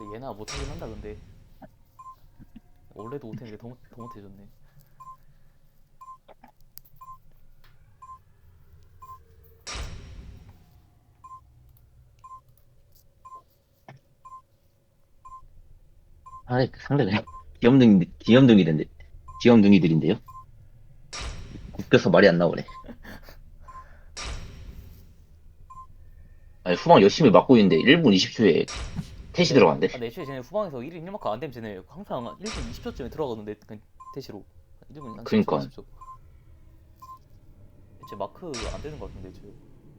얘나 못하긴 한다 근데 원래도 못했는데 더 못해졌네. 아, 상대가 귀염둥이들인데요? 웃겨서 말이 안 나오네. 아니, 후방 열심히 막고 있는데 1분 20초에 태시 들어간대. 내 애초에 쟤네 후방에서 1인 1마크 안 되면 쟤네 항상 1분 20초쯤에 들어가던데 그냥 대시로 1분 한 10초 그니까. 20초 쟤 마크 안 되는 것 같은데 애초에.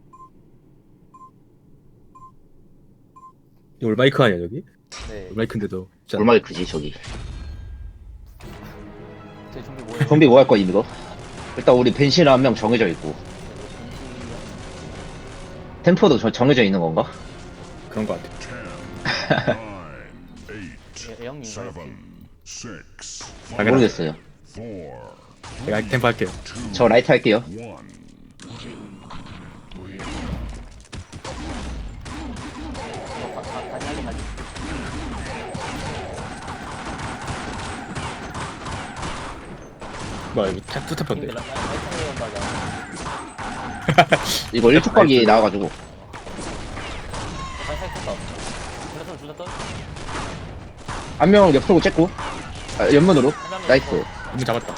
이거 올마이크 아니야 저기? 네. 올마이크인데도 진짜 얼마나 크지, 저기. 쟤 준비 뭐해요? 좀비 뭐 할 거야, 이거? 일단 우리 벤시는 한 명 정해져 있고. 템포도 정해져 있는 건가? 그런 거 같아. 9, 8, 애형님인가요? 7, 6, 당연하죠. 모르겠어요. 4, 제가 템포 할게요. 저 라이트 할게요. 1. 가지 가지. 뭐야 이거 투탑인데. 라이트 한다자. 이거 1초 각이 나와가지고. 살살 쳤다. 줄였어. 한 명 옆으로 쬐고. 아, 옆면으로. 나이스. 이미 잡았다.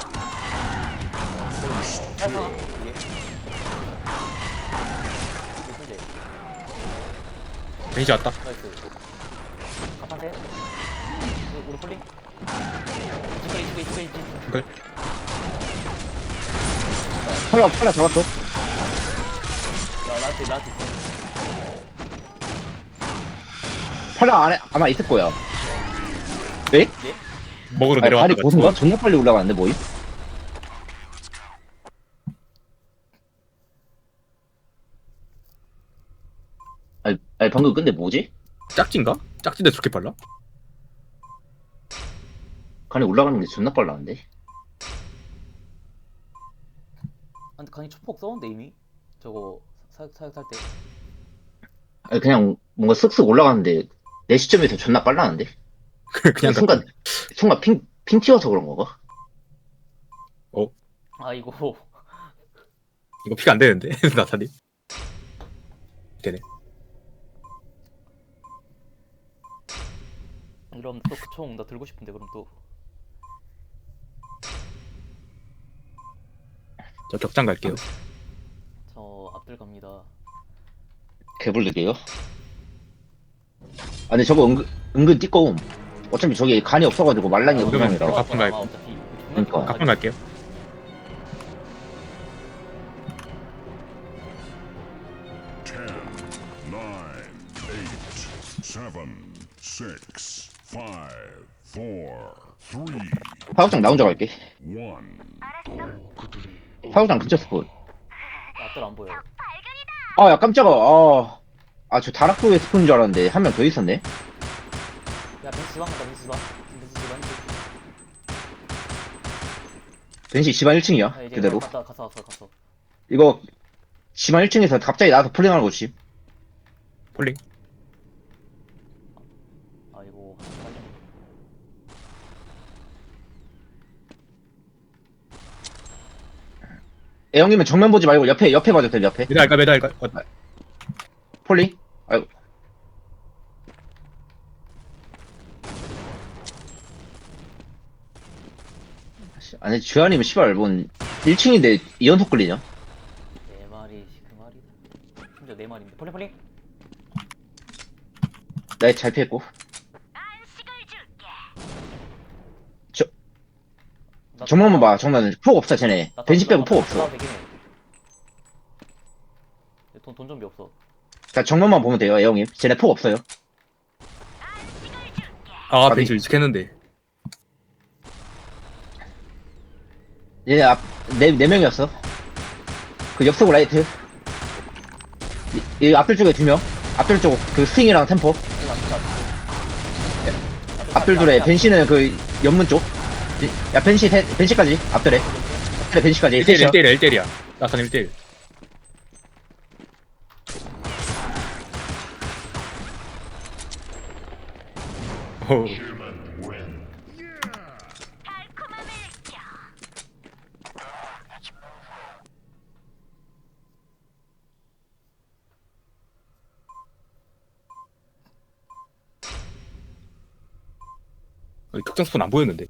살살. 이게. 이게 베이지 왔다. 나이스. 갑판세. 우리 폴링. 이쪽에. 그래. 팔라 잡았어. 나한테 있어. 팔라 안에 아마 있을 거야. 에? 예? 먹으러 아니, 발이 내려왔다. 고순가? 존나 빨리 올라가는데, 뭐임? 아니, 방금 근데 뭐지? 짝진가? 짝진데 저렇게 빨라? 간이 올라가는 게 존나 빨라는데? 근데 강이 초폭 써온데 이미? 저거 사육 탈 때. 아니, 그냥 뭔가 쓱쓱 올라가는데, 내 시점에서 존나 빨라는데? 그냥 순간 핑 튀어서 그런 건가? 아이고. 이거 피가 안 되는데 나사님. 되네. 이러면 또 그 총 나 들고 싶은데 그럼 또. 저 격장 갈게요. 저 앞들 갑니다. 개불르게요? 아, 근데 저거 은근 띠꺼움. 어차피 저기 간이 없어가지고 말랑이 아, 우상이라. 그러면 가끔 갈고. 어차피 그러니까. 가끔 갈게요. 10, 9, 8, 7, 6, 5, 4, 3, 사육장 나 혼자 갈게. 1. 사육장 근처 스폰. 앞들 안 보여. 아, 야, 깜짝아. 저 다락도에 스폰인 줄 알았는데, 한 명 더 있었네? 야 벤치 지방 갔다 벤치 지방. 벤시 집안 1층이야, 야, 이제 그대로. 갔어. 이거, 집안 1층에서 갑자기 나와서 폴링하는 거지. 폴링. 아이고. 애형님은 정면 보지 말고 옆에 봐도 돼, 옆에. 매달까. 폴링? 아이고. 아니, 주한이면 씨발, 뭔, 1층인데 2연속 걸리냐? 네 마리 그 마리. 심지어 네 마리인데. 폴링. 나이 잘 피했고. 정면만 봐, 정면은. 폭 없어, 쟤네. 벤시 빼고 폭 없어. 돈 좀비 없어. 자, 정면만 보면 돼요, 애형님. 쟤네 폭 없어요. 아 아니. 베이지 일찍했는데. 얘네 네 명이었어. 그 옆쪽 라이트. 이 앞들 쪽에 2명. 앞들 쪽, 그 스윙이랑 템포. 앞들 둘에 벤시는 그 옆문 쪽. 야, 벤시까지. 앞들에. 앞들에 벤시까지. 1대1 셋이야. 1대1이야. 나사님 1대1. 오. 특정 스폰 안 보였는데.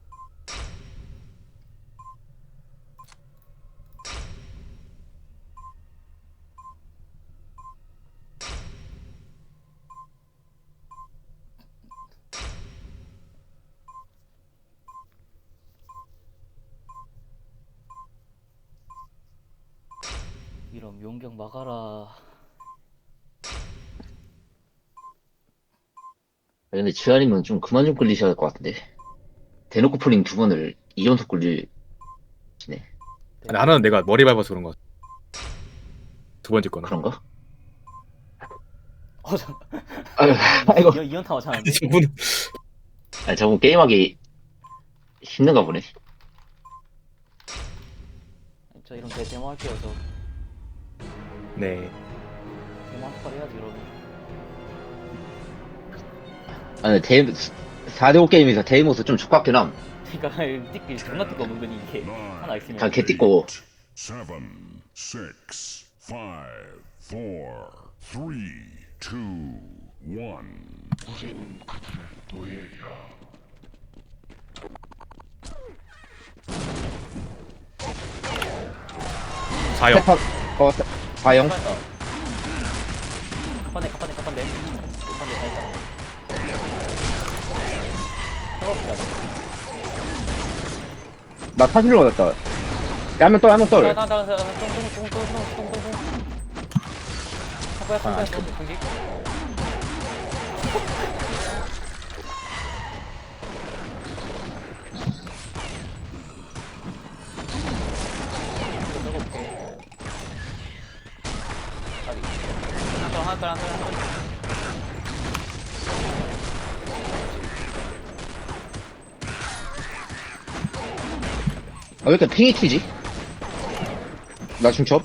이런 용경 막아라. 근데 지아님은 좀 그만 좀 끌리셔야 할 것 같은데. 대놓고 폴링 2번을 2연속 끌리시네. 아니, 하나는 내가 머리 밟아서 그런 거 같아. 두 번째 거는. 그런가? 잠. 아유, 아이고. 이연타워 잘하는데. 저분 아니, 저분 게임하기 힘든가 보네. 저 이런 데모 할게요. 저 네. 데모 한 번 해야지 이러면. 아니, 4대5 게임에서 데이모스 좀 족같긴 함. 그러니까 띠끼 존나 띠꺼 은근히 이게 하나 있으면. 다 개띠고. 7, 6, 5, 4, 3, 2, 1. 사형. 세파, 과영. 갑판대 다 했다. 생각보다. 나 타실로 받았다. 야, 한명 떨, 한명 떨. 공기. 하나. 아, 왜 이렇게 핑이 튀지? 나 중첩?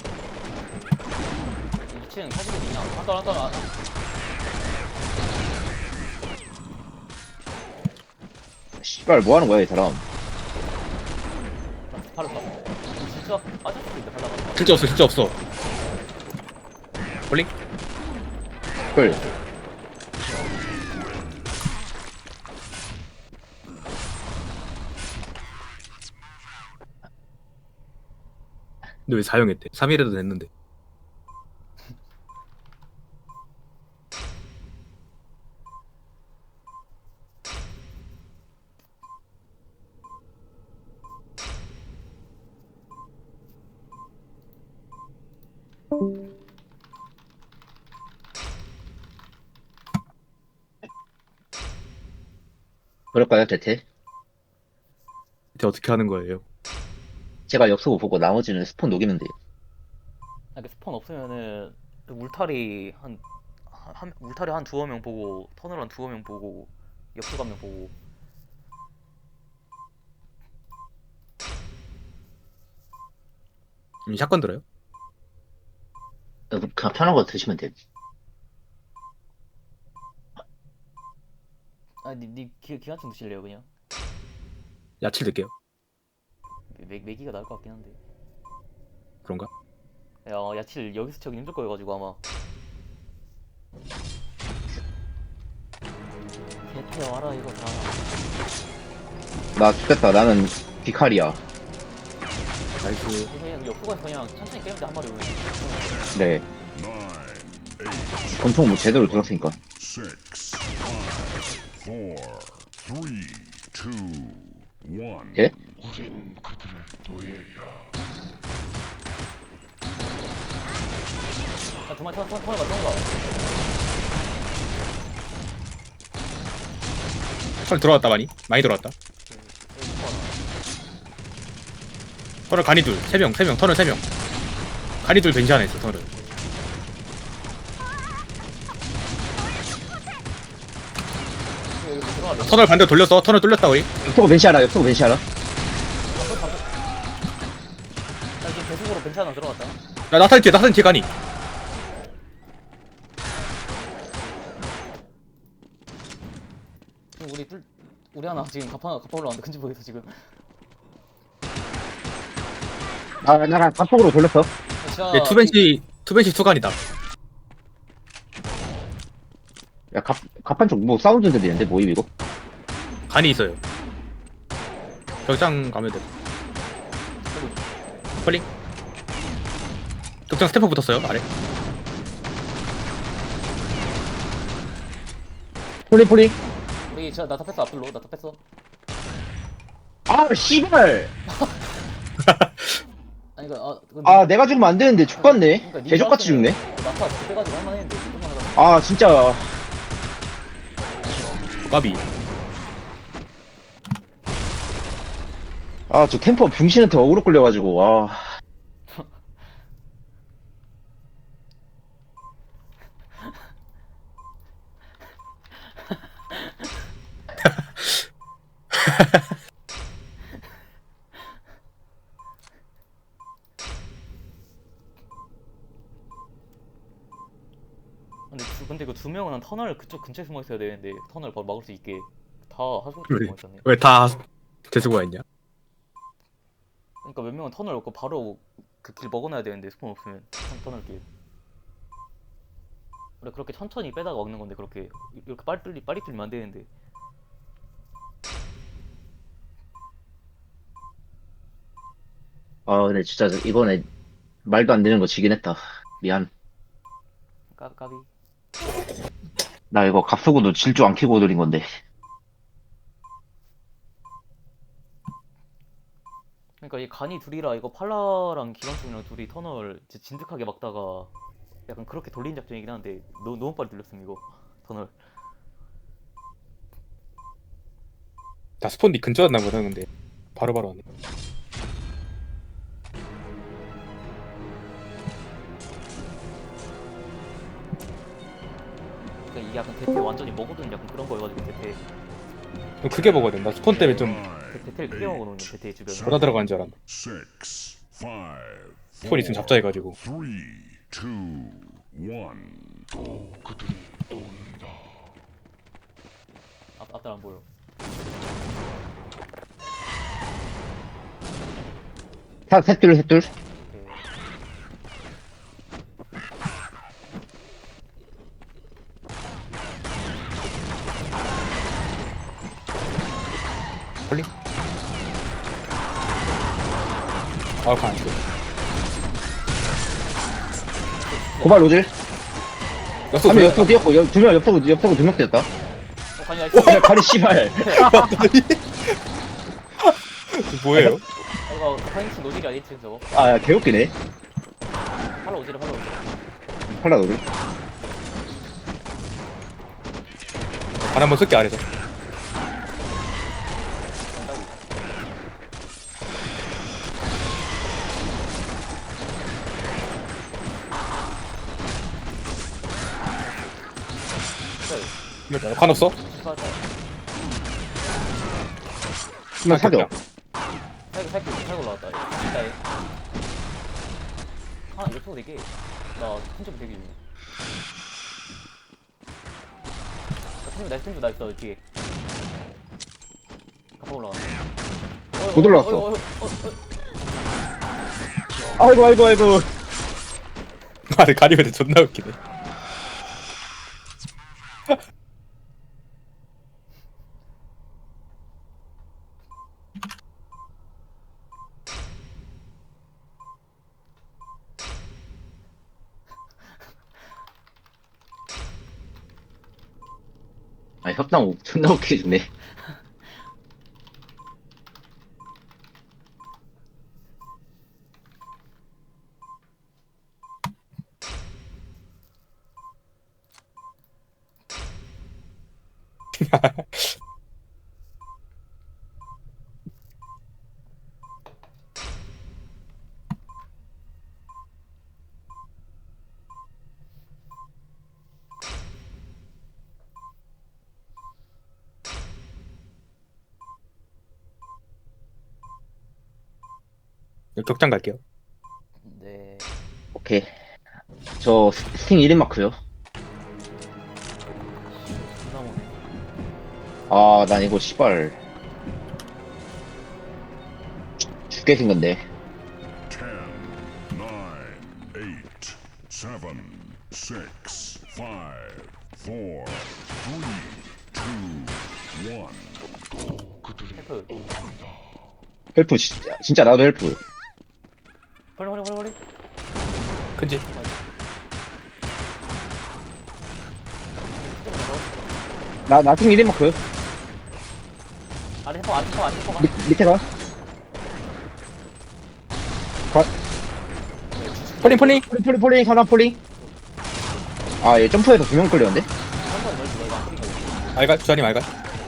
미치는 사실은 그냥 하더라. 씨발, 뭐 하는 거야, 이 사람. 바로 가. 진짜 빠질 수도 있다. 발라가. 실제 없어. 폴링? 헐. 근데 왜 사형했대? 3일에도 됐는데. 그럴까요, 대체? 대체 어떻게 하는 거예요? 제가 역수고 보고 나머지는 스폰 녹이면 돼요. 그 스폰 없으면은 그 울타리 울타리 한 두어 명 보고 터널 한 두어 명 보고 옆수 한명 보고. 샷건 들어요? 그냥 편한 거 드시면 돼요. 니 기관총 드실래요 그냥? 야칠 넣을게요. 매기가 나을 것 같긴 한데. 그런가? 야 야칠 여기서 치기 힘들 거여가지고 아마. 개태 와라 이거 다. 나 죽겠다. 나는 비칼이야. 나이스. 그냥 옆구가 그냥 천천히 깨면 돼한 마리 오면. 네. 9, 8, 권총 뭐 제대로 들었으니까. 6, 5, 4, 3, 2, 1. 예? 야 두마리 터널 가. 털 들어왔다 많이 들어왔다. 터널 간이 둘, 3명, 터널 3명. 간이 둘 벤시 하나 있어, 터널. 터널 반대로 돌렸어, 터널 뚫렸다, 우리. 옆으로 벤시하라. 옆으로 벤시하라. 나 지금 배속으로 벤치 하나 들어갔다. 나탄 뒤에 간이. 우리 하나 지금 갑파 올라왔는데 큰지 모르겠어 지금. 아, 나랑 갑폭으로 돌렸어. 진짜 얘 투벤시 투간이다. 야, 갑판 쪽 뭐 사운드 들리는데 뭐임 이거? 간이 있어요. 격장 가면 돼. 펄링. 격장 스태퍼 붙었어요 아래. 폴리. 우리 진짜 나다 뺐어 앞으로 나다 뺐어. 아, 씨발. 아니 그니까 아, 내가 죽으면 안 되는데 죽겠네. 그러니까 니 개족같이 죽네. 나파 빼가지고 할만했는데 조금만 하다. 아, 진짜. 까비. 아, 저 템퍼 병신한테 어그로 끌려가지고, 아. 근데 이거 두 명은 한 터널 그쪽 근처에 숨어 있어야 되는데 터널 바로 막을 수 있게 다 하수구 그래. 숨어 있었네. 왜 다 재수가 있냐? 그러니까 몇 명은 터널 없고 바로 그 길 먹어놔야 되는데 스폰 없으면 터널 길. 원래 그렇게 천천히 빼다가 먹는 건데 그렇게 이렇게 빨리 뚫리면 안 되는데. 아, 근데 진짜 이번에 말도 안 되는 거 지긴 했다. 미안. 까비. 나 이거 갑수고도 질주 안 켜고 드린 건데. 그러니까 이 간이 둘이라 이거 팔라랑 기관총이랑 둘이 터널 진짜 진득하게 막다가 약간 그렇게 돌린 작전이긴 한데 너무 빨리 돌렸음 이거 터널. 다 스폰디 근처였나 보다 근데 바로바로 왔네. 그러니까 이게 약간 대퇴 완전히 먹어둔 약간 그런 거여가지고 대퇴 좀 크게 먹어야 된다. 스폰 때문에 좀 대퇴를 크게 먹어놓는 대퇴 주변에. 돌아 들어간 줄 알았네. 6, 5, 스폰 있으면 잡자해가지고. 3, 2, 1. 앞달 안 보여. 셋둘. 오케이. 펄링. 아, 간 안 죽어. 고발 로질. 역소 한명 돌려. 옆으로 뛰었고, 두명 옆으로 두 명 뛰었다. 간이 나이스. 야, 가리 씨발. 뭐예요? 이거 파인츠 노딜이 아니지 저거. 아, 야, 개웃기네. 팔라 오지를. 팔라 로질. 간 한번 쓸게 아래서. 간 없어? 한명 사겨. 살고 올라왔다. 이따 해. 하나 옆으로 되게 나 큰점 되게 유네. 나이스 뒤에. 가파 올라왔네. 못 올라왔어. 아이고. 아, 가리면 존나 웃기네. 아, 협당 존나 웃기게 주네. 격장 갈게요. 네. 오케이. 저 스팅 1인 마크요. 존나 모네. 아, 난 이거 씨발 죽게 생겼네. 10, 9, 8, 7, 6, 5, 4, 3, 2, 1. 헬프. 헬프 진짜 나도 헬프. 헐. 큰지. 나 나중에 1인마크 아래 헬퍼. 밑에 가. 폴링. 폴링 하나 폴링. 아, 얘 점프해서 2명 끌렸는데? 한번 넣어주고 이거 안 뿌린 거. 알갈 주한님 알갈.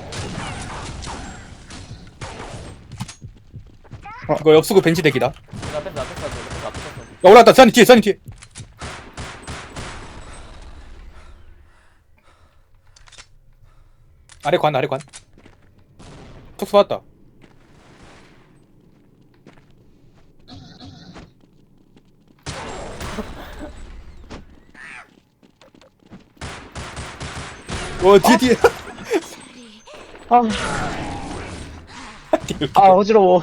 이거 엽수구 벤치 대기다. 야 앞에 뺐어. 올라왔다. 주한님 뒤에. 아래 관. 툭 쏘았다. 뒤에. 어지러워.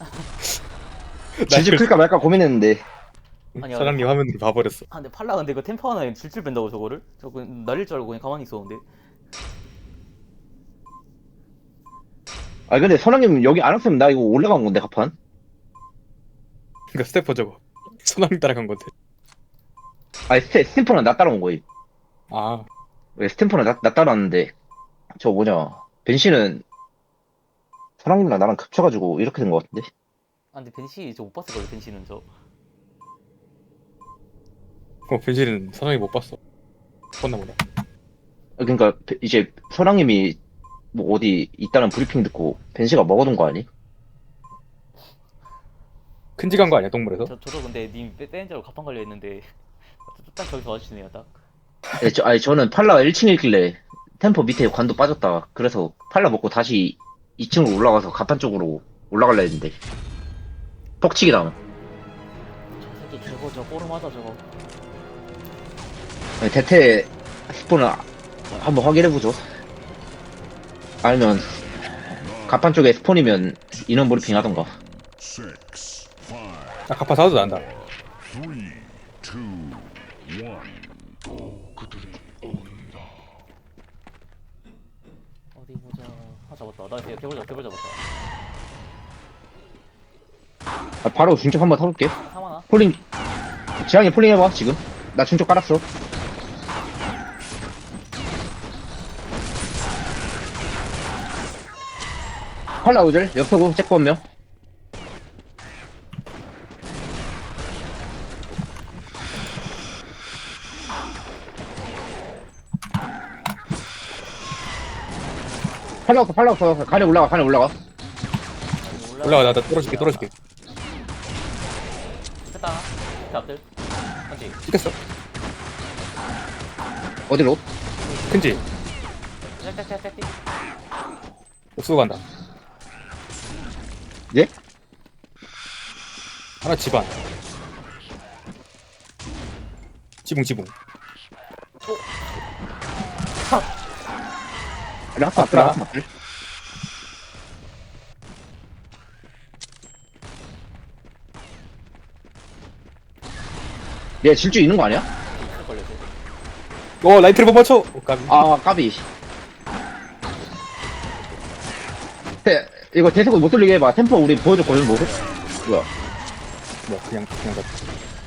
질질 클까 말까 고민했는데. 아니야. 사장님 화면으로 봐버렸어. 아 근데 팔라 근데 이거 템퍼 하나에 질질 뺀다고 저거를? 저거 날릴 줄 알고 그냥 가만히 있었는데. 아, 근데 선왕님 여기 안 왔으면 나 이거 올라간 건데, 가판. 그니까 스태퍼 저거. 소나미 따라간 건데. 아니, 스탬퍼는 나 따라온 거임. 아, 왜 스탬퍼는 나 따라왔는데, 저 뭐냐. 벤씨는 선왕님이랑 나랑 겹쳐가지고 이렇게 된 거 같은데? 아 근데 벤시 저 못 봤을 걸요. 벤시는 저. 벤실은 사장님 못 봤어. 봤나 보다. 그러니까 이제 선왕님이 뭐 어디 있다는 브리핑 듣고 벤씨가 먹어둔 거 아니? 큰지 간 거 아니야 동물에서? 저도 근데 님 빼는 줄 알고 가판 걸려 있는데 딱 저기서 와주시네요 딱. 네, 아니 저는 팔라 1층에 있길래 템포 밑에 관도 빠졌다. 그래서 팔라 먹고 다시 2층으로 올라가서 가판 쪽으로 올라갈라 했는데 퍽치기 당함. 저 새끼 저거 저 꼬름하다 저거. 아니, 대퇴 스폰을 한번 확인해보죠. 아니면 가판 쪽에 스폰이면 인원 브리핑 하던가. 6, 5, 아 가파 사도 난다. 3, 2, 1. 어디 보자. 아 잡았다. 나 개벌 잡았다. 아, 바로 중첩 한번 타볼게. 사마나? 폴링 지향이 폴링 해봐 지금. 나 중첩 깔았어. 팔라 우절 옆서고 체크 한 명. 팔라 없어. 가래 올라가. 올라가 나 떨어질게. 됐다. 밑에 앞들. 맞지? 찍혔어. 어디로? 큰지. 떼. 옥수수 간다. 예? 하나 집안. 지붕. 라스 앞들. 얘 질주 있는 거 아니야? 있을 걸요. 라이트를 못 맞춰. 까비. 아, 까비. 이거 대세고 못 돌리게 해봐. 템포 우리 보여줬거든, 뭐. 뭐야. 뭐 그냥 갔다.